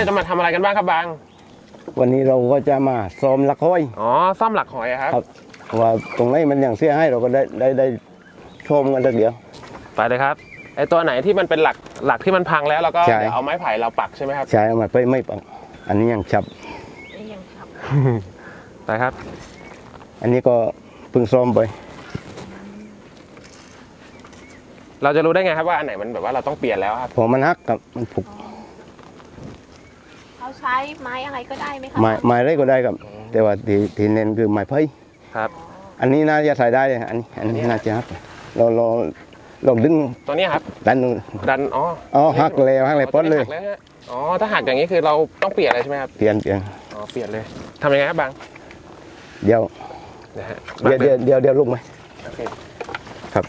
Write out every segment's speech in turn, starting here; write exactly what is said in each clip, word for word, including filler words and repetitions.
จะมาทำอะไรกันบ้างครับบางวันนี้เราก็จะมาซ้อมหลักห้อยอ๋อซ่อมหลักหอยครับว่าตรงไหนมันอย่างเสียให้เราก็ได้ได้ได้ชมกันสักเดียวไปเลยครับไอตัวไหนที่มันเป็นหลักหลักที่มันพังแล้วเราก็เดี๋ยวเอาไม้ไผ่เราปักใช่ไหมครับใช่เอามาไปไม่ปักอันนี้ยังฉับยังฉับไปครับอันนี้ก็เพิ่งซ้อมไปเราจะรู้ได้ไงครับว่าอันไหนมันแบบว่าเราต้องเปลี่ยนแล้วครับพอมันหักกับมันผุกเขาใช้ไม้อะไรก็ได้ไหมครับไม้ไม้ไรก็ได้ครับแต่ว่าที่ที่เน้นคือไม้ไผ่ครับอันนี้น่าจะใส่ได้อันนี้อันนี้น่าจะหักเราเราลองดึงตัวนี้ครับดันดันอ๋ออ๋อหักแล้วหักเลยป้อนเลยอ๋อถ้าหักอย่างนี้คือเราต้องเปลี่ยนอะไรใช่ไหมครับเปลี่ยนเปลี่ยนอ๋อเปลี่ยนเลยทำยังไงครับบางเดี๋ยวเดี๋ยวเดี๋ยวเดี๋ยวเดี๋ยวลุกไหมครับ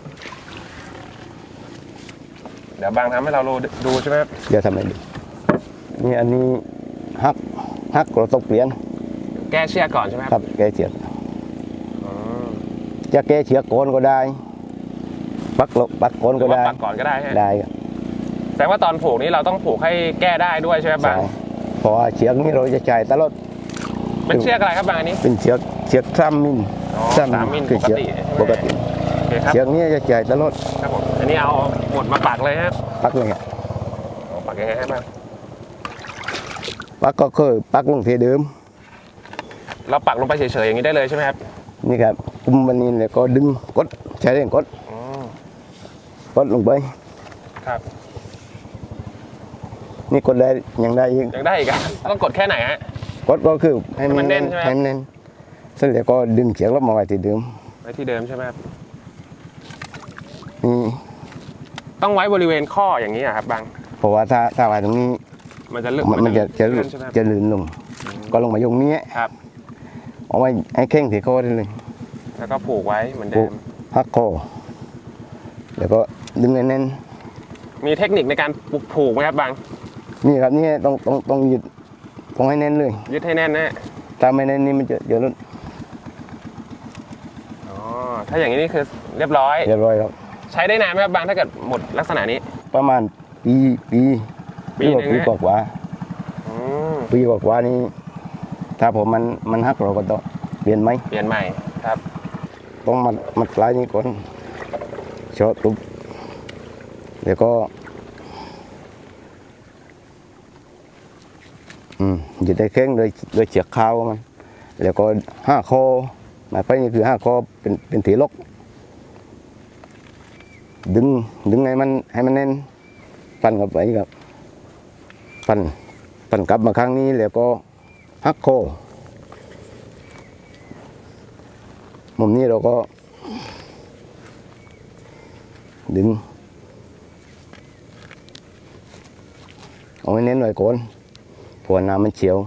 เดี๋ยวบางทำให้เราดูใช่ไหมครับเดี๋ยวทำให้ดูนี่อันนี้หักหักเราต้องเปลี่ยนแก้เชือกก่อนใช่ไหมครับแก้เชือกจะแก้เชือกโกนก็ได้ปักลบปักโกนก็ได้ปักก่อนก็ได้ได้ครับแสดงว่าตอนผูกนี้เราต้องผูกให้แก้ได้ด้วยใช่ไหมบางเพราะว่าเชือกนี้เราจะใช้ตลอดเป็นเชือกอะไรครับบางอันนี้เป็นเชือกเชือกสามมิลสามมิลปกติปกติเชือกนี้จะใช้ตลอดครับผมอันนี้เอาหมดมาปักเลยครับปักเลยครับปักยังไงครับบางปักก็คือปักลงที่เดิมเราปักลงไปเฉยๆอย่างนี้ได้เลยใช่ไหมครับนี่ครับกุมมันนี่แล้วก็ดึงกดใช้เรื่องกดกดลงไปครับนี่กดได้ยังได้อีกยังได้อีกครับต้องกดแค่ไหนฮะกดก็คือให้มันแน่นใช่ไหมให้มันแน่นเสร็จแล้วก็ดึงเขียงลบมาไว้ที่เดิมไว้ที่เดิมใช่ไหมครับนี่ต้องไว้บริเวณข้ออย่างนี้ครับบางเพราะว่าถ้าถ้าไว้ตรงนี้มันจะลื่นมันจะจะจะลื่นลงก็ลงมาตรงนี้ครับเอาไว้ให้เข่งที่ข้อได้เลยแล้วก็ผูกไว้เหมือนเดิมหักคอแล้วก็ดึงแน่นๆมีเทคนิคในการผูกไหมครับบางนี่ครับนี่ต้องต้องต้องยึดต้องให้แน่นเลยยึดให้แน่นนะถ้าไม่แน่นนี่มันจะเดี๋ยวลุ้นอ๋อถ้าอย่างนี้นี่คือเรียบร้อยเรียบร้อยครับใช้ได้นานไหมครับบางถ้าเกิดหมดลักษณะนี้ประมาณปีปีปีนึงปีกว่าปีกว่านี้ถ้าผมมันมันหักเราก็ต้องเปลี่ยนไหมเปลี่ยนใหม่ครับต้องมัดมัดปลายนี้ก่อนช็อตปุ๊บเดี๋ยวก็อืมจะได้แข็งโดยโดยเชือกขาวมันแล้วก็ห้าคอหมายไปนี่คือห้าคอเป็นเป็นถีลกดึงดึงให้มันให้มันแน่นปั่นกับไปกับปั่นปั่นกลับมาครั้งนี้แล้วก็หักคอมุมนี้เราก็ดึงเอาให้เน้นหน่อยก่อนเพราะน้ำมันเฉียว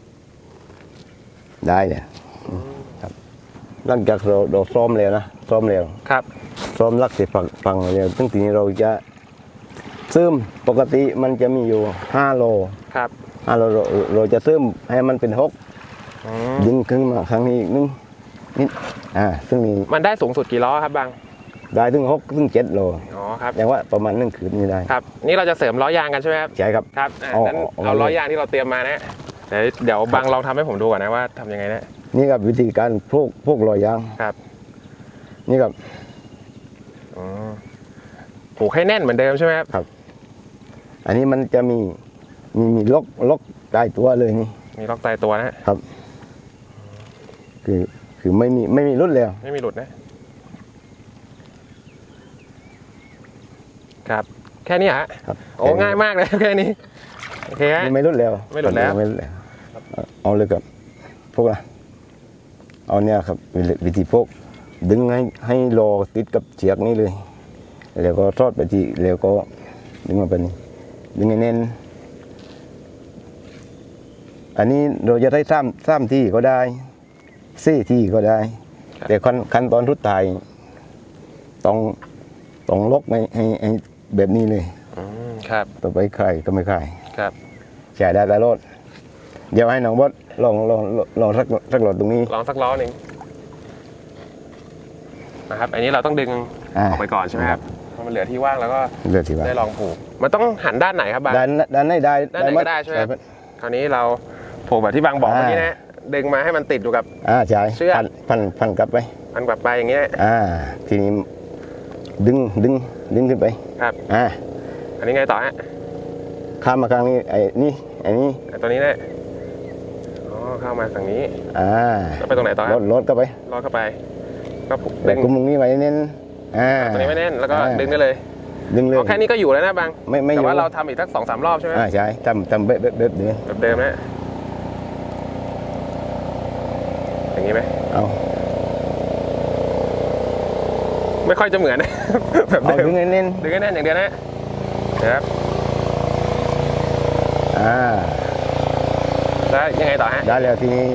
ได้เลยครับหลังจากเราเราซ้อมแล้วนะซ้อมแล้วครับซ้อมลักเสร็จฝังฝังแล้วตั้งทีนี้เราจะซึมปกติมันจะมีอยู่ห้าโลครับห้าโลเราเราจะซึมให้มันเป็นหกดึงขึ้นมาครั้งนี้อีกนึงนิดอ่าซึ่งมีมันได้สูงสุดกี่ล้อครับบางได้ถึงหกถึงเจ็ดโลอ๋อครับอย่างว่าประมาณหนึ่งคืนนี้ได้ครับนี่เราจะเสริมล้อยางกันใช่ไหมครับใช่ครับครับงั้นเอาล้อยางที่เราเตรียมมานะเดี๋ยวเดี๋ยวบางลองทำให้ผมดูก่อนนะว่าทำยังไงนะนี่ครับวิธีการพวกพวกล้อยางครับนี่ครับอ๋อผูกให้แน่นเหมือนเดิมใช่ไหมครับครับอันนี้มันจะมีมีมีล็อกล็อกใต้ตัวเลยนี่มีล็อกใต้ตัวนะครับคือคือไม่มีไม่มีหลุดแล้วไม่มีหลุดนะครับแค่นี้ฮะครับโอ้ง่ายมากเลยแค่นี้โอเคฮะไม่หลุดแล้วไม่หลุดแล้วไม่หลุดแล้วเอาเลยกับพวกอะเอาเนี่ยครับวิธีพวกดึงให้ให้รอติดกับเชือกนี้เลยแล้วก็ทอดไปที่แล้วก็ดึงมาเป็นดึงให้แน่นอันนี้เราจะได้ซ้ำซ้ำที่ก็ได้ซี่ที่ก็ได้แต่ขั้นขั้นตอนทุดท้ายต้องต้องล็อกให้ให้ให้แบบนี้เลยครับต่อไปใครก็ไม่ใครครับใช้ได้ตลอดเดี๋ยวให้น้องบดลองลองลองสักสักหลอดตรงนี้ลองสักล้อหนึ่งนะครับอันนี้เราต้องดึงออกไปก่อนใช่ไหมครับพอมันเหลือที่ว่างแล้วก็เลือดที่ว่าได้ลองผูกมันต้องหันด้านไหนครับบางด้านด้านไหนได้ด้านไหนหมก็ได้ใช่ไหมครับคราวนี้เราผูกแบบที่บางบอกอ่าเมื่อกี้นะดึงมาให้มันติดอยู่กับอ่าใช่เชือกพันพันพันกลับไปมันกลับไปอย่างเงี้ยอ่าทีนี้ดึงดึงดึงขึ้นไปครับอ่าอันนี้ไงต่อฮะข้ามมาข้างนี้ไอ้นี่ไอ้นี่อ่ะตัวนี้เนี่ยอ๋อเข้ามาฝั่งนี้อ่าแล้วไปตรงไหนต่อลฮะดลดเข้าไปลอดเข้าไปก็ผูกแต่ดึงกุมตรงนี้ไว้เน้นอ่าตัวนี้ไม่แน่นแล้วก็อ่าดึงได้เลยดึงเลยอ๋อแค่นี้ก็อยู่แล้วนะบางไม่ไม่แต่ว่าอยู่เราทำอีกสักสองสามรอบใช่ไหมอ่าใช่ทำทำเบ๊ะเบ๊ะเบ๊ะเดี๋ยวแบบเดิมนะอย่างนี้ไหมเอาไม่ค่อยจะเหมือน แบบเอาเดิมดึงให้เน้นดึงให้แน่นอย่างเดียวนะนะครับอ่าแล้วยังไงต่อฮะได้แล้วทีนี้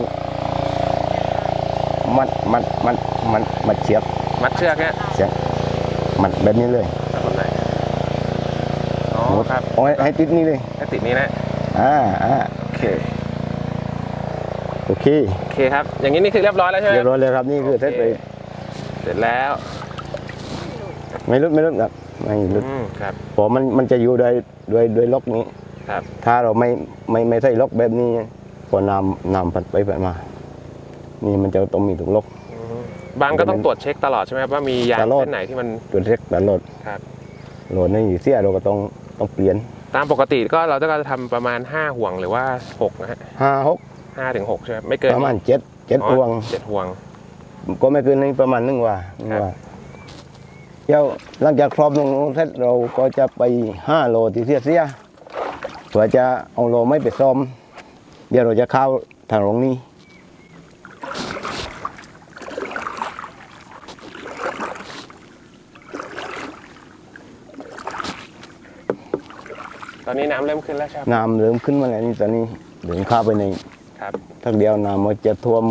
มัดมัดมัดมัดมัดเชือกมัดเชือกเนี่ยเชือกมัดแบบนี้เลยแบบไหนอ๋อครับเอาให้ให้ติดนี่เลยให้ติดนี้นะอ่าอ่าโอเคโอเคโอเคครับ อย่างนี้นี่คือเรียบร้อยแล้วใช่ไหมเรียบร้อยแล้วครับนี่คือเสร็จไปเสร็จแล้วไม่ลดไม่ลดครับไม่ลดอืมครับเพราะมันมันจะอยู่โดยโดยโดยล็อกนี้ครับถ้าเราไม่ไม่ไม่ใส่ล็อกแบบนี้พอน้ำน้ำพัดไปพัดมา นี่มันจะต้องมีถุงล็อกอืมบางก็ต้องตรวจเช็คตลอดใช่ไหมครับว่ามียางตลอดเส้นไหนที่มันตัวเล็กตลอดครับโหลดนี่เสียเราก็ต้องต้องเปลี่ยนตามปกติก็เราจะทำประมาณห้าห่วงหรือว่าหกนะฮะห้าหกห้าถึงหกใช่ไหมไม่เกินประมาณเจ็ดเจ็ดอ๋อพวงเจ็ดห่วงก็ไม่เกินนี้ประมาณหนึ่งว่าหนึ่งครับว่าเดี๋ยวหลังจากครอบตรงนู้นเสร็จเราก็จะไปห้าโลที่เสียเสียเพื่อจะเอาโลไม่ไปซ่อม เดี๋ยวเราจะเข้าทางตรงนี้ตอนนี้น้ำเริ่มขึ้นแล้วใช่ไหมน้ำเริ่มขึ้นมาแล้วนี่ตอนนี้เดินเข้าไปในครับทักเดียวน้ำมันจะท่วม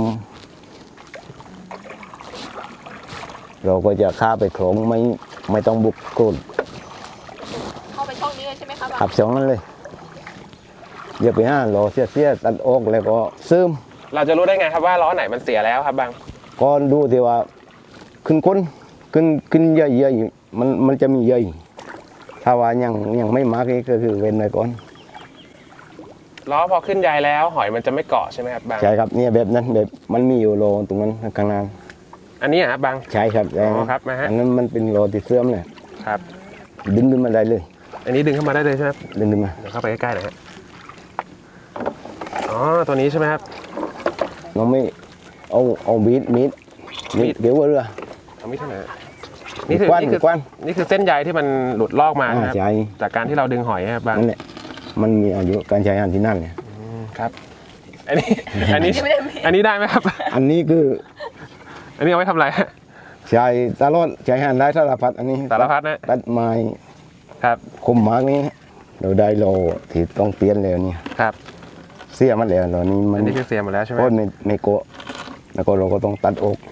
เราก็จะข้าไปโขลงไม่ไม่ต้องบุกโกนเข้าไปช่องนี้เลยใช่ไหมคะขับสองนั้นเลยอย่าไปห้าโลเสียเสียตัดออกแล้วก็ซึมเราจะรู้ได้ไงครับว่าล้อไหนมันเสียแล้วครับบางก็ดูที่ว่าขึ้นค้นขึ้นขึ้นเยอะๆมันมันจะมีเยอะถ้าว่ายังยังไม่มากนี่ก็คือเว้นไว้ก่อนล้อพอขึ้นใยแล้วหอยมันจะไม่เกาะใช่ไหมครับบางใช่ครับเนี่ยแบบนั้นแบบมันมีอยู่โลตรงนั้นข้างหน้าอันนี้ครับบางใช่ครับอ๋อครับนะฮะอันนั้นมันเป็นโลที่เสื่อมเลยครับดึงขึ้นมาได้เลยอันนี้ดึงเข้ามาได้เลยใช่ไหมครับดึงขึ้นมาเดี๋ยวเข้าไปใกล้ๆหน่อยฮะอ๋อตัวนี้ใช่ไหมครับน้องไม่เอาเอามีดมีดมีดเดี๋ยวว่าเรือเอาไม่ใช่ไหนนี่คือมีดกว้านนี่คือมีดกว้านนี่คือเส้นใยที่มันหลุดลอกมาอ่านะครับใช่จากการที่เราดึงหอยครับบางนั่นแหละมันมีอายุการใช้งานที่นั่นเนี่ยอืมครับ อันนี้อันนี้อันนี้ได้ไหมครับอันนี้คืออันนี้เอาไว้ทำอะไรฮะใช้ตลอดใช้งานได้สารพัดอันนี้สารพัดนะตัดไม้ครับคมมากนี้เราได้โลที่ต้องเปลี่ยนแล้วเนี่ยครับเสียมันแล้วตอนนี้มัอันนนี้คือเสียหมดแล้วใช่ไหมโคตรไม่ไม่โกะแล้วก็เราก็ต้องตัดอก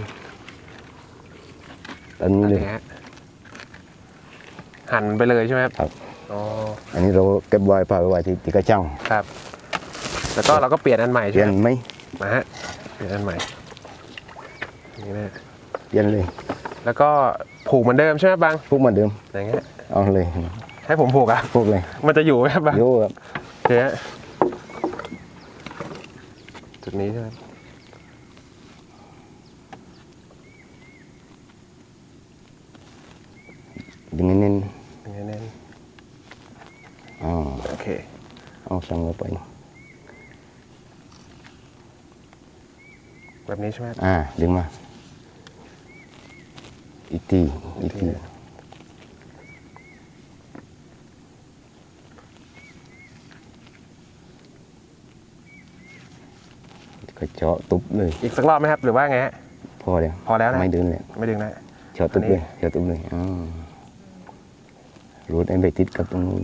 ตัดนี้อันเลยนี้ฮะหั่นไปเลยใช่ไหมครับครับอ๋ออันนี้เราเก็บไว้ผ่าไว้ที่ที่กระชังครับ แล้วก็เราก็เปลี่ยนอันใหม่เปใช่ลี่ยไหนมไหมมาฮะเปลี่ยนอันใหม่นี่นะเปลี่ยนเลยแล้วก็ผูกเหมือนเดิมใช่ไหมบางพวกเหมาเดิมอย่างเงี้ยเอาเลยให้ผมผูกอ่ะพวกเลยมันจะอยู่ไหมครับบางโยครับโอเคฮะจุดนี้ใช่ไหมดึงเน้นอย่างเงี้ยแน่นๆอ๋อโอเคเอาสั่งลงไปแบบนี้ใช่ไหมอ่าดึงมาอีกทีอีกทีก็เจาะตุบเลยอีกสักรอบไหมครับ หรือว่าไงฮะพอแล้วพอแล้วนะไม่ดึงเลยไม่ดึงนะเจาะตุบอันนี้เลยเจาะตุบเลยอ๋อรูดไอ้ไปติดกับตรงนู้น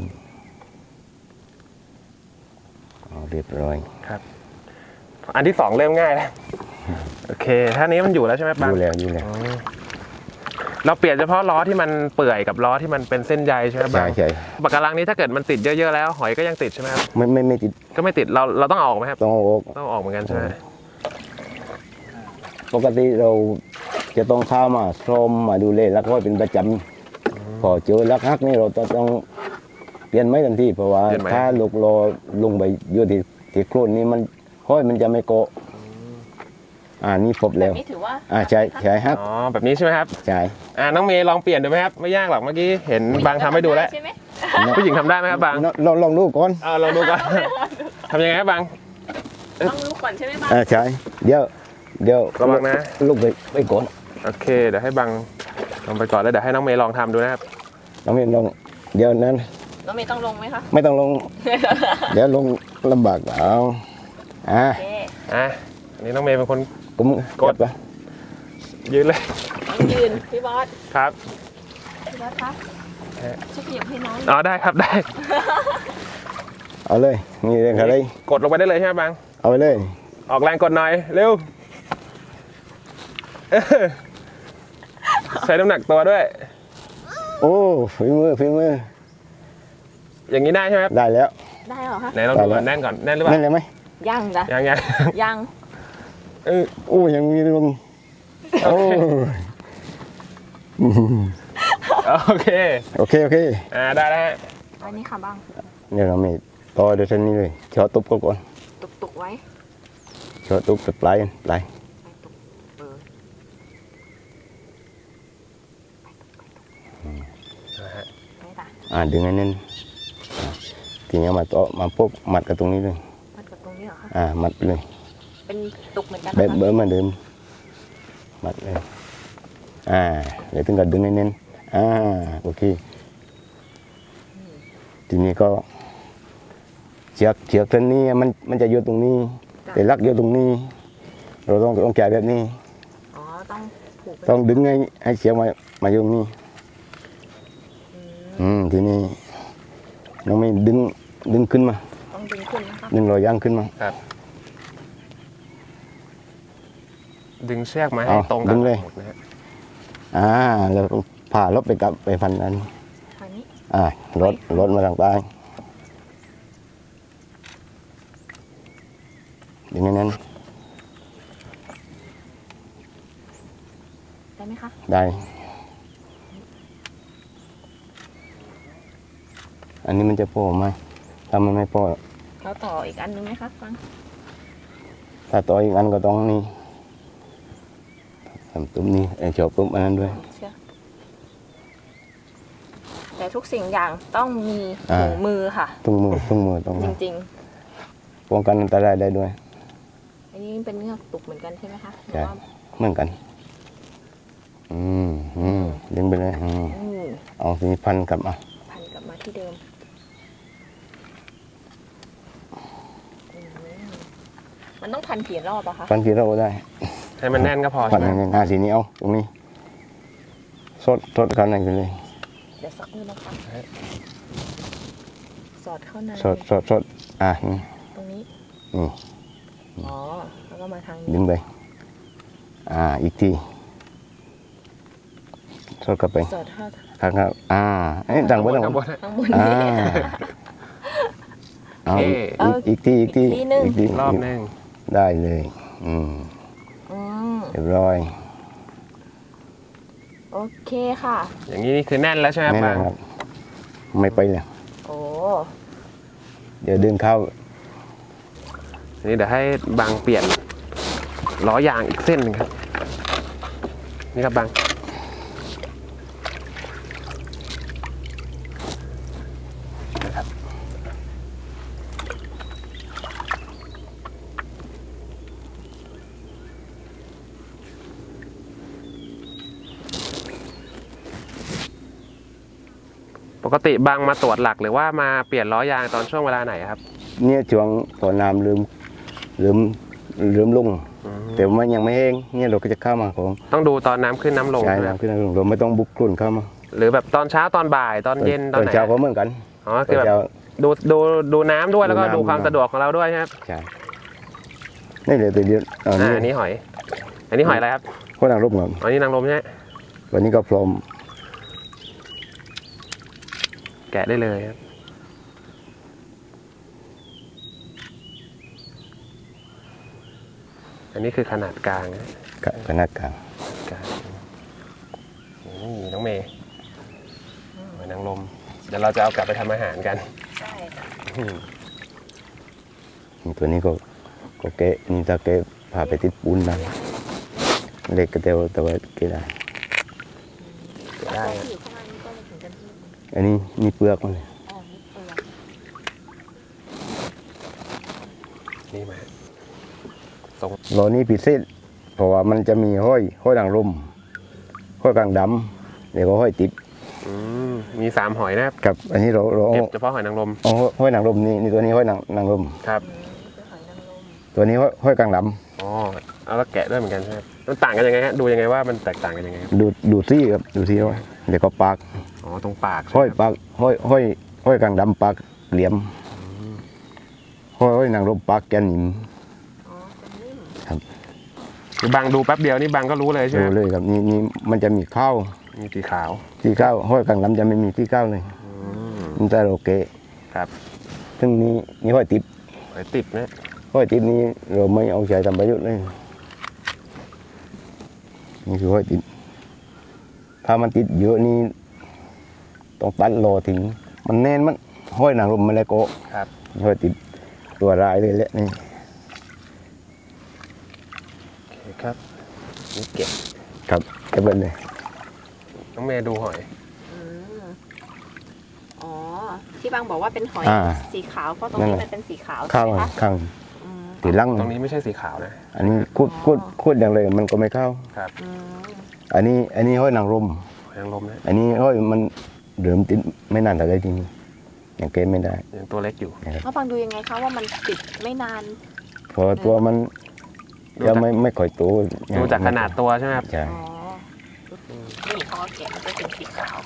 เอาเรียบร้อยครับ อันที่สองเริ่มง่ายแล้วโอเคท่านี้มันอยู่แล้วใช่ไหมอบางยู่แล้วอยู่แล้วอ๋อเราเปลี่ยนเฉพาะล้อที่มันเปื่อยกับล้อที่มันเป็นเส้นใยใช่ไหมบาใช่งใช่ปากการังนี้ถ้าเกิดมันติดเยอะๆแล้วหอยก็ยังติดใช่ไหมครับไม่ไม่ไม่ติดก็ไม่ติดเราเราต้องเอาออกไหมครับต้องเอาออกต้องเอาออกเหมือนกันใช่ไหมปกติเราจะต้องเข้ามาซ่อมมาดูแลแล้วก็เป็นประจำพอเจอลักฮักนี่เราต้องเปลี่ยนไม้ทันทีเพราะว่าถ้าลูกรอลงไปเยอะที่ที่โคลนนี่มันห้อยมันจะไม่เกาะอ่านี่พบแบแล้บวนี้ถือว่าอ่าใช่ใช่ครับอ๋อแบบนี้ใช่ไหมครับใช่อ่าน้องเมย์ลองเปลี่ยนดูไหมครับไม่ยากหรอกเมื่อกี้เห็นบางทำให้ดูแล้วใช่ไหมผู้หญิงทำได้ไหมครับบางลองลองดูก่อนเอาลองดูก่อน ทำยังไงครับบางต้องรู้ก่อนใช่ไหมบ้างอ่าใช่เดี๋ยวเดี๋ยวระวังนะลูกไปไปก่อนโอเคเดี๋ยวให้บางลองไปก่อนแล้วเดี๋ยวให้น้องเมย์ลองทำดูนะครับน้องเมย์ลองเดี๋ยวนั้นน้องเมย์ต้องลงไหมคะไม่ต้องลง เดี๋ยวลงลำบากเอาอ่าโอเคอ่ะอันนี้น้องเมย์เป็นคนกุมกดจับไปยืนเลยต้องยืนพี่บอสครับพี่บอสคะช่วยขยับให้น้องอ๋อได้ครับได้เอาเลยนี่เรื่องอะไรกดลงไปได้เลยใช่ไหมบางเอาไปเลยออกแรงกดหน่อยเร็วเออใช้น้ำหนักตัวด้วยโอ้ฝีมือฝีมืออย่างนี้ได้ใช่ไหมครับได้แล้วได้เหรอคะไหนลองดูก่อนแน่นก่อนแน่นหรือเปล่านั่นเลยไหมยังจ้ะยังยังยังเออโอ้ยังมีลงโอ้โอเคโอเคโอเคอ่าได้แล้วฮะอันนี้ค่ะบ้างเดี๋ยวเราไม่ต่อเดี๋ยวเส้นนี้เลยชอตุบก่อนตุกตุกๆไว้ชอตุบปลายปลายไปตุกเออนะฮะไม่จ้ะอ่าดึงให้แน่นอ่าทีนี้มาต่อมาปุ๊บมัดกับตรงนี้เลยมัดกับตรงนี้เหรอคะอ่ามัดเลยเป็นตุกเหมือนกันแบบนะคะเบอร์เหมาเดิมมัดเลยอ่าเดี๋ยวถึงกับดึงให้แน่นอ่าโอเคทีนี้ก็เชือกเชือกเส้นนี้มันมันจะอยู่ตรงนี้ แต่ลักอยู่ตรงนี้ เราต้องต้องแกะแบบนี้อ๋อต้องผูกไปต้องดึงให้ให้เชือกมามาอยู่ตรงนี้อืมอืมทีนี้น้องไม่ดึงดึงขึ้นมาต้องดึงขึ้นนะคะดึงรอยย่างขึ้นมาครับ ดึงเชือกมาให้เอาตรงดึกับงเลยหมดนะฮะอ่าแล้วก็ผ่าลบไปกับไปพันอันทางนี้อ่ารถรถมาทางใต้ดึงให้แน่นได้ไหมคะได้ อันนี้มันจะพอไหมถ้ามันไม่พอเราต่ออีกอันนึงไหมคะฟังถ้าต่ออีกอันก็ต้องนี่ทำตุ้มนี่ไอ้จอบตุ้มอันนั้นด้วยเชื่อแต่ทุกสิ่งอย่างต้องมีอ่าถุงมือค่ะตุ้งมือตุ้งมือต้องจริงป้องกันอันตรายได้ด้วยๆ อันนี้เป็นเงือกตุกเหมือนกันใช่ไหมคะหรือใช่ว่าเหมือนกัน อืมอืมดึงไปเลยอืมอืมเอาทีนี้พันกลับมาพันกลับมาที่เดิมอืมมันต้องพันกี่รอบอะคะพันกี่เราได้ให้มันแน่นก็พอพัใช่นไหมในหน้าทีนี้เอาตรงนี้สดสดกันไหนไปเลยเดี๋ยวสักนิดนะคะสอดเข้าในสดสดสดอ่ะนี่ตรงนี้นี่อ๋อ แล้วก็มาทางดึนี้งไปอ่าอีกทีสดกลับไปสอดเข้าข้างข้างอ่าเอ้ยดังบนดังข้างบบ นนข้างบนอ่านี้เอาเอ๊ะอีกอีกทีอีกทีอีกทีหนึ่งอีกทีรอบหนึงได้เลยอืมอืมเรียบร้อยโอเคค่ะอย่างนี้นี่คือแน่นแล้วใช่ไหมครับแน่นบางอนครับไม่ไปเลยโอ้เดี๋ยวเดินเข้าทีนี้เดี๋ยวให้บางเปลี่ยนล้อยางอีกเส้นหนึ่งครับ นี่ครับบาง ปกติบางมาตรวจหลักหรือว่ามาเปลี่ยนล้อยางตอนช่วงเวลาไหนครับเนี่ยช่วงพอน้ำลืมลืมลืมลงอืมแต่มันยังไม่แห้งเนี่ยเราก็จะเข้ามาของต้องดูตอนน้ำขึ้นน้ำลงใช่ใช่ไหมครับน้ำขึ้นน้ำลงเราไม่ต้องบุกกลุ่นเข้ามาหรือแบบตอนเช้าตอนบ่ายตอนเย็นตอนไหนเช้าก็เหมือนกันอ๋อตคืออนแบบเช้าดูดูดูน้ำด้วยแล้วก็ดูน้ำดูความสะดวกของเราด้วยใช่ไหมครับใช่นี่เลยตัวเดียวอันอ่านี้อันนี้หอย อันนี้หอยอะไรครับคนนางรบเงาอันนี้นางรมใช่ไหมวันนี้ก็พร้อมแกะได้เลยครับอันนี้คือขนาดกลางนะกับขนาดกลางกลางนี่น้องเมย์อืดี๋ยวเราจะเอากลับไปทำอาหารกันใช่ค่ะอืมตัวนี้ก็ก็แกะนี่ถ้าแกะพาไปติดปูนได้เล็กก็เดียวแต่ว่าแกะได้ได้ตัวครับที่อยู่ข้างล่างนี่ก็ไม่ถึงกันที่อันนี้มีเปลือกมันเลยอ๋อนี่เปลือกนี่มาทรงโลนี้พิเศษเพราะว่ามันจะมีห้อยห้อยนางรมห้อยกลางดำเดี๋ยวก็ห้อยติดอืมมีสามหอยนะครับกับอันนี้เราเราเก็เอาบเฉพาะหอยนางรมเอาห้อยนางรมนี่นี่ตัวนี้ห้อยนางนางรมครับอืมนี่คือหอยนางรมตัวนี้ห้อยห้อยกลางดอ๋อเอาแล้วแกะด้วยเหมือนกันใช่ไหมมันต่างกันยังไงฮะดูยังไงว่ามันแตกต่างกันยังไงครับำดูดูซี่ครับดูซี่ห้อยเดี๋ยวก็ปากอ๋อตรงปากใช่ห้อยไหมครับปากห้อยห้อยห้อยกลางดำปากเหลี่ยมห้อยห้อยนางรมปากแกนหนิมอ๋อเป็นนิ่มคือบางดูแป๊บเดียวนี่บางก็รู้เลยใช่ไหมดูเลยครับนี่นี่มันจะมีข้าวมีสีขาวที่ข้าวห้อยกลางดำจะไม่มีที่ข้าวเลยอืมมันจะโอเคครับซึ่งนี้นี่ห้อยติดหอยติดนะห้อยติดนี้เราไม่เอาใช้ทำประโยชน์เลยนี่คือห้อยติดถ้ามันติดเยอะนี่ต้องตัดรอทิ้งมันแน่นมันห้อยนางรมมาแล้วก็ครับห้อยติดตัวรายเลยแหละนี่โอเคครับนี่เก็บครับเก็บไว้เลยน้องเมย์ดูหอยอืมอ๋อที่บางบอกว่าเป็นหอยอ่าสีขาวเพราะตรงนี้มันเป็นสีขาวข้างใช่ไหมคะข้างอืมตีลังตรงนี้ไม่ใช่สีขาวนะอันนี้คูดคูดคูดอย่างเลยมันก็ไม่เข้าครับอืมอันนี้อันนี้ห้อยนางรมหอยนางรมนะอันนี้ห้อยมันเดิมติดไม่นานแต่ได้ทีนี้อย่างเกมไม่ได้ยังตัวเล็กอยู่แล้วบางดูยังไงคะว่ามันติดไม่นานเพราะตัวมันดูจะจากไม่ไม่ค่อยโตดูจากขนาดตัวใช่ไหมครับใช่อ๋อนี่เขาก็แกะมันจะเป็นสีขาว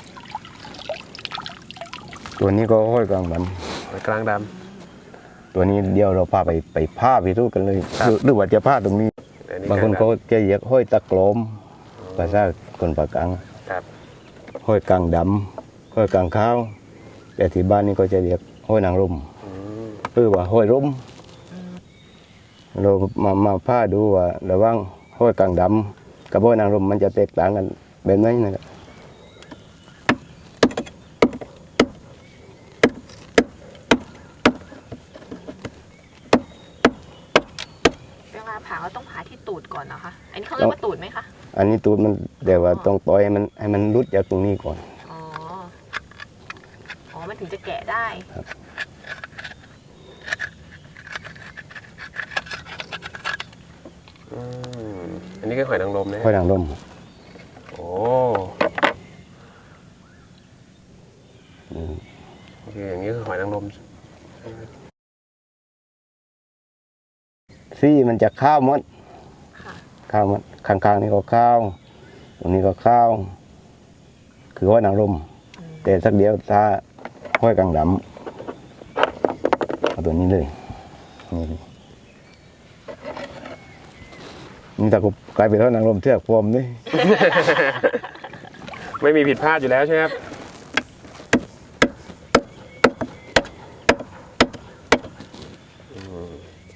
ตัวนี้ก็ห้อยกลางดหอยกลางดำตัวนี้เดี๋ยวเราพาไปไปผ้าไปทูกันเลยครับหรือหรือว่าจะผ้าตรงนี้ำอันนี้บางคนกลก็ดจะเรียกห้อยตะกลมภาษาคนปากกลางำครับห้อยกลางดำห้อยกลางข้าวแต่ที่บ้านนี่ก็จะเรียกห้อยนางรมอืมหรือว่าห้อยร่มเรามามาผ้าดูว่าระหว่างห้อยกลางดำกับห้อยนางรมมันจะแตกต่างกันแบบไหนนะครับเวลาผ่าเราต้องผ่าที่ตูดก่อนนะคะ อันนี้เขาเรียกว่าตูดไหมคะอันนี้ตูดมันแต่ว่าต้องปล่อยให้มันให้มันรุดจากตรงนี้ก่อนอ๋อ อ๋อ มันถึงจะแกะได้อืมอันนี้คือหอยนางรมนะห้อยนางรมโอ้โอเคอย่างนี้คือหอยนางรมซี่มันจะข้าวหมดค่ะข้าวหมดข้างๆนี่ก็ข้าวตรงนี้ก็ข้าว คือห้อยนางรมอืมแต่สักเดียวถ้าห้อยกลางดำเอาตัวนี้เลยนี่เลยนี่ถ้ากูกลายเป็นห้อยนางรมเทือกพรมนี่ไม่มีผิดพลาดอยู่แล้วใช่ไหมครับอืม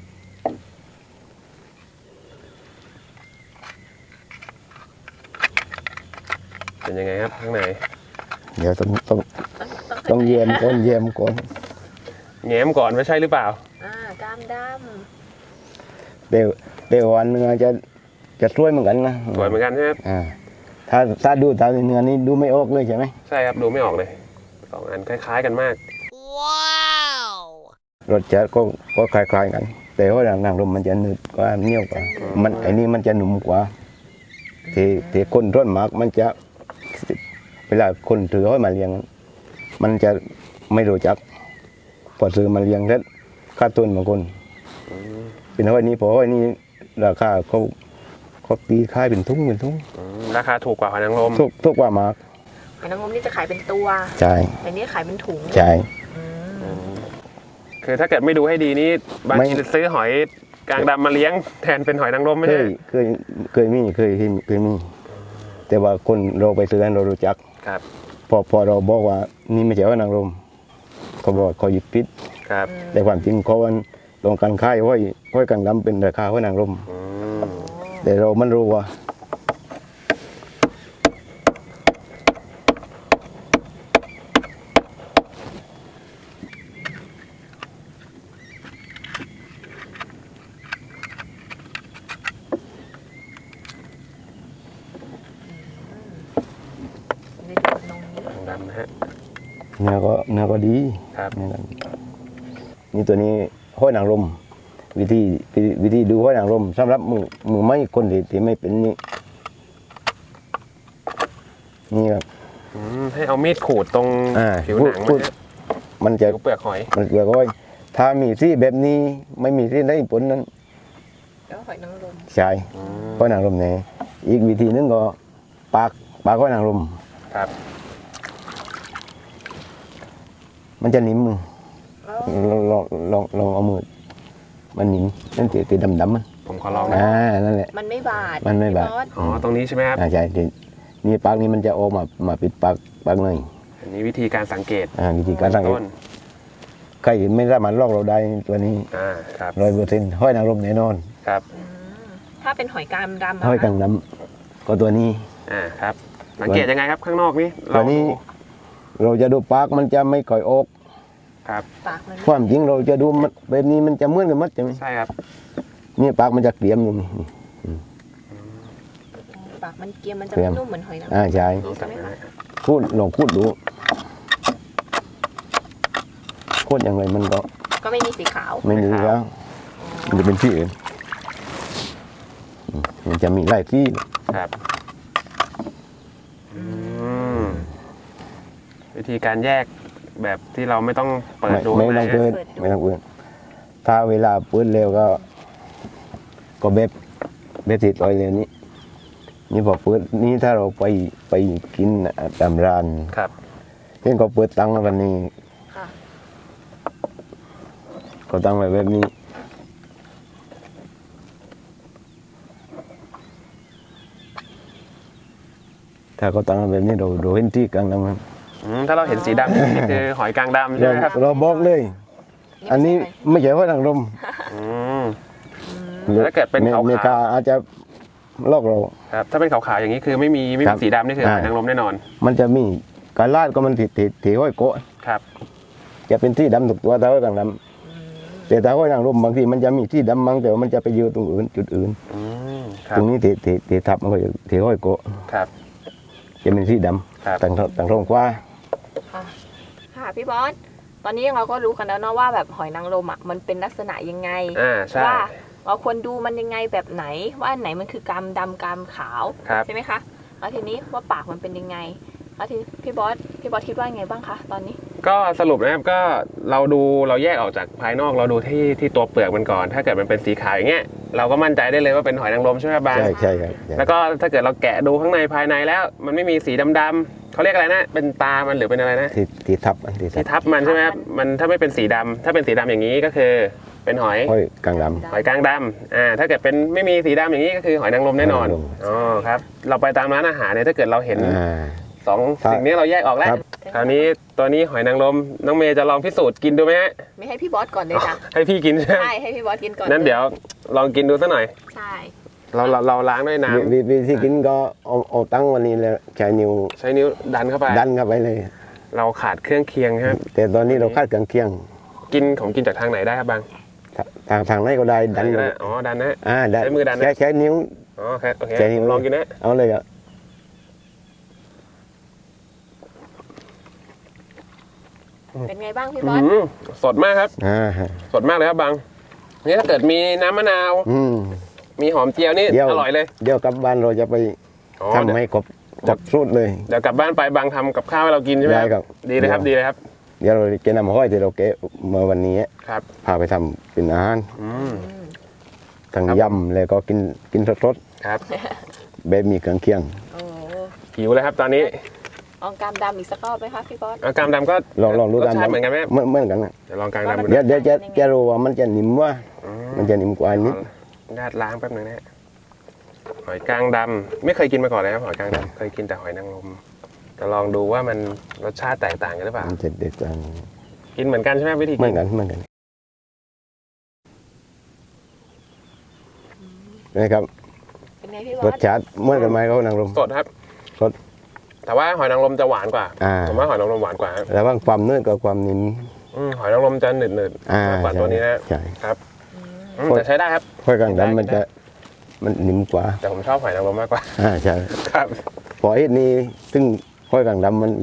เป็นยังไงครับข้างในเดี๋ยวต้องต้องต้องต้องต้องเยี่ยมก่อนเยี่ยมก่อนแง้มก่อนไม่ใช่หรือเปล่าอ่ากล้ามดเดี๋ยวเดี๋ยววันเนื้อจะจะสวยเหมือนกันนะสวยเหมือนกันใช่ไหมครับอ่าถ้าถ้าดูตามเนื้อนี้ดูไม่ออกเลยใช่ไหมใช่ครับดูไม่ออกเลยสองอันคล้าย ๆ กันมากรสชาติก็ก็คล้ายๆกัน แต่ว่าหนังลมมันจะหนืดกว่าเหนียวกว่ามันไอ้นี่มันจะหนุ่มกว่าที่ที่คนร่อนมากมันจะเวลาคนถือห้อยมาเลี้ยง มันจะไม่รู้จักพอซื้อมาเลี้ยงแล้วค่าต้นบางคนเป็นห้อยนี้พอห้อยนี้ราคาเขาเขาตีค่ายเป็นทุ่งเป็นทุ่งอืมราคาถูกกว่าหอยนางรมทุกทุกว่ามากำหอยนางรมนี่จะขายเป็นตัวใช่แต่นี่ขายเป็นถุงใช่อืมอืมคือถ้าเกิดไม่ดูให้ดีนี่บางไม่ทีซื้อหอยกลางดำมาเลี้ยงแทนเป็นหอยนางรมไม่เคใช่ยเคยเคยมีเคยเคยมี แต่ว่าคนเราไปซื้อเรารู้จักครับพอพอเราบอกว่านี่ไม่ใช่ว่านางรมเขาบอกเขาหยิบพิษครับแต่ความจริงเขาวันลงการค่ายห้อยห้อยกลางดำเป็นราคาห้อยนางรมอืมแต่เรามันรู้ว่านะฮะเนื้อก็เนื้อก็ดีครับเนื้อก็ดีนี่ตัวนี้ห้อยนางรมวิธีวิธีดูห้อยนางรมสำหรับมือมือไม่คนที่ที่ไม่เป็นนี่นี่ครับอืมให้เอามีดขูดตรงอ่าผิวหนังพูมัดนฮะมันจะผิวเปลือกหอยมันเกลือก้อยถ้ามีที่แบบนี้ไม่มีที่ได้ผลนั้นแล้วหอยนางรมใช่อืมห้อยนางรมเนี่ยอีกวิธีนึงก็ปากปากห้อยนางรมครับมันจะนิ่มมือแล้วลองลองลองลองเอามือมันนิ่มนั่นตีตีดำดำๆมันผมขอลองนะอ่านั่นแหละมันไม่บาดมันไม่บาดพี่อสอ๋อตรงนี้ใช่ไหมครับอ่าใช่ที่นี่ปากนี้มันจะออกมามาปิดปากปากเลยอันนี้วิธีการสังเกตอ่าวิธีการสังเกตต้นใครไม่สามารถลอกเราได้ตัวนี้อ่าครับร้อยเปอร์เซ็นต์ห้อยนางรมแน่นอนครับอืมถ้าเป็นหอยกามดำะห้อยกังคะน้ำก็ตัวนี้อ่าครับสังเกตยังไงครับข้างนอกนี่ตัวนี้เราดูเราจะดูปากมันจะไม่ก่อยออกครับปากมันความจริงเราจะดูมันแบบนี้มันจะเหมือนกันหมัดใช่ไหมใช่ครับนี่ปากมันจะเกลี่ยมอยู่นี่ปากมันเกรียมมันจะเกรียไม่มนุ่มเหมือนหอยนางรมอ่าใช่ลองจับดูนะพูดลองพูดดูพูดอย่างไรมันก็ก็ไม่มีสีขาวไม่มีแล้วมันจะเป็นที่อื่นอืมมันจะมีไล่ที่ครับอืมวิธีการแยกแบบที่เราไม่ต้องเปิดไม่ดูไม่ข้างในต้องเปิดไม่ต้องเปิดถ้าเวลาเปิดเร็วก็ ก็เบ็บเบ็บติดต่อยเร็วนี้ นี่พอเปิดนี่ถ้าเราไปไปกินตามร้านครับเช่นก็เปิดตังค์วันนี้ค่ะก็ตั้งไว้แบบนี้ถ้าก็ตั้งไว้แบบนี้เราเราเห็นที่กลางน้ำมันอืมถ้าเราเห็นสีดำนี่คือหอยกลางดำใช่เราไหมครับเราบอกเลย อันนี้ไม่ใช่ว่าทางลมอืม แล้วถ้าเกิดเป็นขาวๆเมกาอาจจะลอกเราครับถ้าเป็นขาวๆอย่างนี้คือไม่มีไม่ครัมีบสีดำนี่คือหอยอ่านางรมแน่นอนมันจะมีการลาดก็มันถีถีถีห้อยโกะครับจะเป็นที่ดำถูกตัวถ้าห้อยกลางดำแต่ถ้าห้อยนางรมบางทีมันจะมีที่ดำบางแต่ว่ามันจะไปอยู่ตรงอื่นจุดอื่นอืมครัตบรงนี้ถีถีถีทับมันก็จะถีห้อยโกะครับจะเป็นที่ดครับำต่างต่างท้องกว้าค่ะค่ะพี่บอสตอนนี้เราก็รู้กันแล้วเนาะว่าแบบหอยนางรมอ่ะมันเป็นลักษณะยังไงอ่าใช่ว่าเราควรดูมันยังไงแบบไหน ว่าอันไหนมันคือกามดำกามขาวครับใช่ไหมคะแล้วทีนี้ว่าปากมันเป็นยังไงแล้วทีพี่บอสพี่บอสคิดว่าไงบ้างคะตอนนี้ก็สรุปนะครับก็เราดูเราแยกออกจากภายนอกเราดูที่ที่ตัวเปลือกมันก่อน ถ้าเกิดมันเป็นสีขาวอย่างเงี้ยเราก็มั่นใจได้เลยว่าเป็นหอยนางรมใช่ไหมครับบางใช่ใช่ครับใช่แล้วก็ถ้าเกิดเราแกะดูข้างในภายในแล้ว มันไม่มีสีดำๆเขาเรียกอะไรนะเป็นตามันหรือเป็นอะไรนะที่ที่ทับอันที่ทัที่บทับมันใช่ไหมครับมันถ้าไม่เป็นสีดำถ้าเป็นสีดำอย่างนี้ก็คือเป็นหอยห้อยกลางดหอยกลางดำอ่าถ้าเกิดเป็นไม่มีสีดำอย่างนี้ก็คือหอยนางรมแน่นอนหอยนางรมอ๋อครับเราไปตามร้านอาหารเนี่ยถ้าเกิดเราเห็นำอ่าสองครับสิ่งนี้เราแยกออกแล้วครับคราวนี้ตัวนี้หอยนางรมน้องเมย์จะลองพิสูจน์กินดูไหมฮะไม่ให้พี่บอสก่อนเลยจ้ะให้พี่กินใช่ไหมใช่ให้พี่บอสกินก่อนนั้นเดี๋ยวลองกินดูสักหน่อยใช่เราเราเราล้างด้วยน้วิวิธีกินก็เอาเอาตั้งวันนี้แล้วใช้นิ้วำใช้นิ้วดันเข้าไปดันเข้าไปเลยเราขาดเครื่องเคียงครับแต่ตอนนี้เราคาดกลางเคียงกินของกินจากทางไหนได้ครับบางทางทางไหนก็ได้ดันได้อ๋อดันนะอ่าดันใช้มือดันนะใช้ใช้นิ้วอ๋อครับโอเคใช้นิ้วลองกินนะเอาเลยอ่ะเป็นไงบ้างพี่บอื้ออสหือสดมากครับอ่าสดมากเลยครับบางนี่ถ้าเกิดมีน้ำมะนาวอืมมีหอมเจียวนี่เดี๋ยวอร่อยเลยเดี๋ยวกลับบ้านเราจะไปอ๋อทำให้ครบครบสูตรเลยเดี๋ยวกลับบ้านไปบางทำกับข้าวให้เรากินใช่ไหมได้ครับดีเลยครับดีเลยครับเดี๋ยวเราจะนำห้อยที่เราเกะเมื่อวันนี้ครับพาไปทำเป็นอาหารอืมอืมทั้งครับยำแล้วก็กินกินสดครับๆแบบมีเครื่องเคียงโอ้หิวเลยครับตอนนี้ลองกามดำอีกสักรอบไหมคะพี่บอสเอากามดำก็ลองลองดูรสตามชาติเหมือนกันไหมเหมือนเหมือนกันนะเดี๋ยวลองกามดำดูเดี๋ยวนะเดี๋ยวจะจะรู้ว่ามันจะนิ่มว่าอืมันจะนิ่มกว่าอันนี้ญาติล้างแป๊บหนึงนะฮะหอยกลางดำไม่เคยกินมาก่อนเลยครับหอยกลางดำเคยกินแต่หอยนางรมจะลองดูว่ามันรสชาติแตกต่างกันหรือเปล่ามันจะเด็ดกว่ากินเหมือนกันใช่ไหมวิธีเหมืกิอนนกันเหมือนกันนะครับเป็นไงพี่บอรสสชาติเหมือนกันไหมเขานางรมสดครับสดแต่ว่าหอยนางรมจะหวานกว่าอ่าผมว่าหอยนางรมหวานกว่าครับระหว่างความเนื้อกับความนิ่มอืมหอยนางรมจะหนืดหนืดอ่ามากกว่าตัวนี้นะใช่ครับอืมอืมแต่ใช้ได้ครับค่อยกลางดำมันจะมันนิ่มกว่าแต่ผมชอบหอยนางรมมากกว่าอ่าใช่ครับพอเอ็ดนี้ซึ่งค่อยกลางดำมันเลย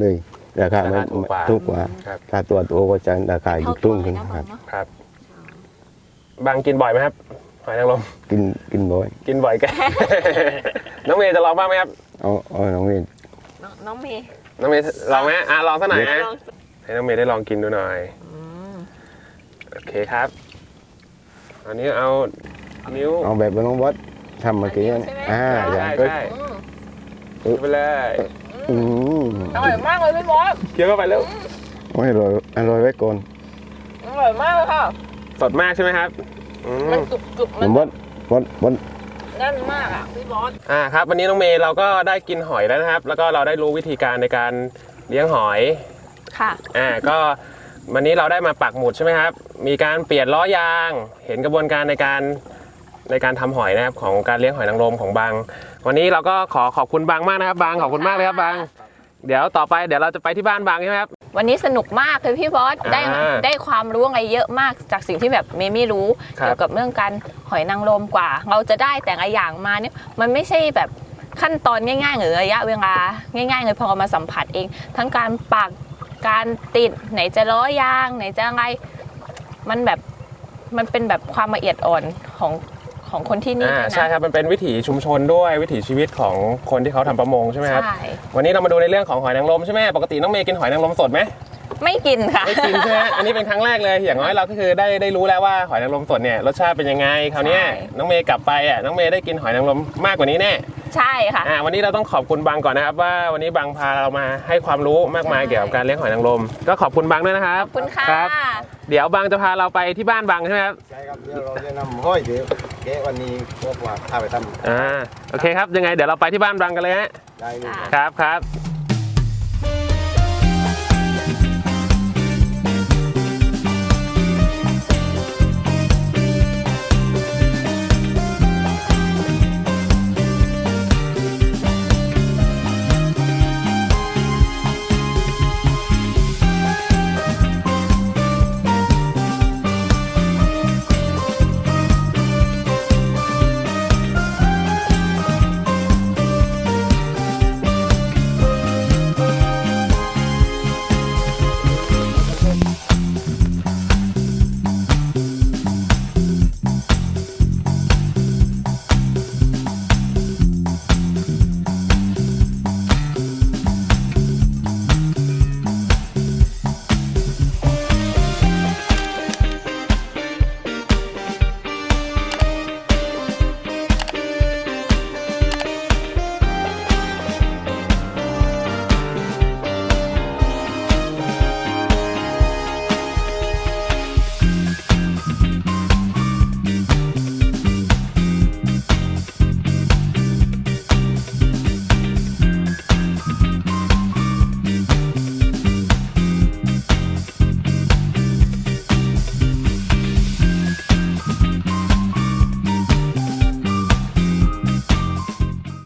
ราคาไม่ราคาถูกกว่าถูกกว่าครับถ้าตัวตัวก็จะราคาอยู่ครึ่งขึ้นเท่าตัวเลยนะครับเนาะครับ บางกินบ่อยไหมครับ หอยนางรมกินกินบ่อยกินบ่อยแก น้องเมย์จะลองบ้างไหมครับเอาเอาน้องเวนน้องน้องเมย์น้องเมย์ลองไหมอ่ะลองสักหน่อยนะลองให้น้องเมย์ได้ลองกินดูหน่อยอืมโอเคครับ อันนี้เอานิ้วเอาแบบน้องบอสทำเมื่อกี้อันนะนี้ใช่ไหมอ่าอใช่ย่างก็ใช่อืมกินไปเลยอืมอร่อยมากเลยพี่บอสเคี้ยวเข้าไปแล้วโอ้ยอร่อยอร่อยไว้ก่อนอร่อยมากเลยค่ะสดมากใช่ไหมครับอืมมันกรุบกรุบๆมัน้นองบอสบอสบอสแน่นมากอ่ะพี่บอสอ่าครับ วันนี้น้องเมย์เราก็ได้กินหอยแล้วนะครับ แล้วก็เราได้รู้วิธีการในการเลี้ยงหอยค่ะอ่าก็วันนี้เราได้มาปักหมุดใช่ไหมครับ มีการเปลี่ยนล้อยาง เห็นกระบวนการในการในการทำหอยนะครับของการเลี้ยงหอยนางรมของบาง วันนี้เราก็ขอขอบคุณบางมากนะครับบางขอบคุณมากเลยครับบาง เดี๋ยวต่อไปเดี๋ยวเราจะไปที่บ้านบางใช่ไหมครับวันนี้สนุกมากเลยพี่บอส ได้อ่าได้ความรู้อะไรเยอะมากจากสิ่งที่แบบเมย์ไม่รู้ครับเกี่ยวกับเรื่องการหอยนางรมกว่า เราจะได้แต่ละอย่างมาเนี่ยมันไม่ใช่แบบขั้นตอนง่ายๆหรือระยะเวลาง่ายๆเลยพอเรามาสัมผัสเอง ทั้งการปักการติดไหนจะล้อยางไหนจะอะไรมันแบบมันเป็นแบบความละเอียดอ่อนของของคนที่นี่อ่าด้วยใช่นะครับมันเป็นวิถีชุมชนด้วยวิถีชีวิตของคนที่เขาทำประมงใช่ไหมครับใช่วันนี้เรามาดูในเรื่องของหอยนางรมใช่ไหมปกติน้องเมย์กินหอยนางรมสดไหมไม่กินค่ะไม่กินใช่ไหมอันนี้เป็นครั้งแรกเลยอย่างน้อยเราก็คือได้ได้รู้แล้วว่าหอยนางรมสดเนี่ยรสชาติเป็นยังไงคราวเนี้ยใช่น้องเมย์กลับไปอ่ะน้องเมย์ได้กินหอยนางรมมากกว่านี้แน่ใช่ค่ะอ่าวันนี้เราต้องขอบคุณบางก่อนนะครับว่าวันนี้บางพาเรามาให้ความรู้มากมายใช่เกี่ยวกับการเลี้ยงหอยนางรมก็ขอบคุณบางด้วยนะครับขอบคุณค่ะรับเดี๋ยวบางจะพาเราไปที่บ้านบางใช่ไหมครับใช่ครับเดี๋ยวเราจะนำห้อยเดี๋ยวแกะวันนี้พวกว่าพาไปทำอ่าโอเคครับยังไงเดี๋ยวเราไปที่บ้านบางกันเลยฮะได้เลยครับครับ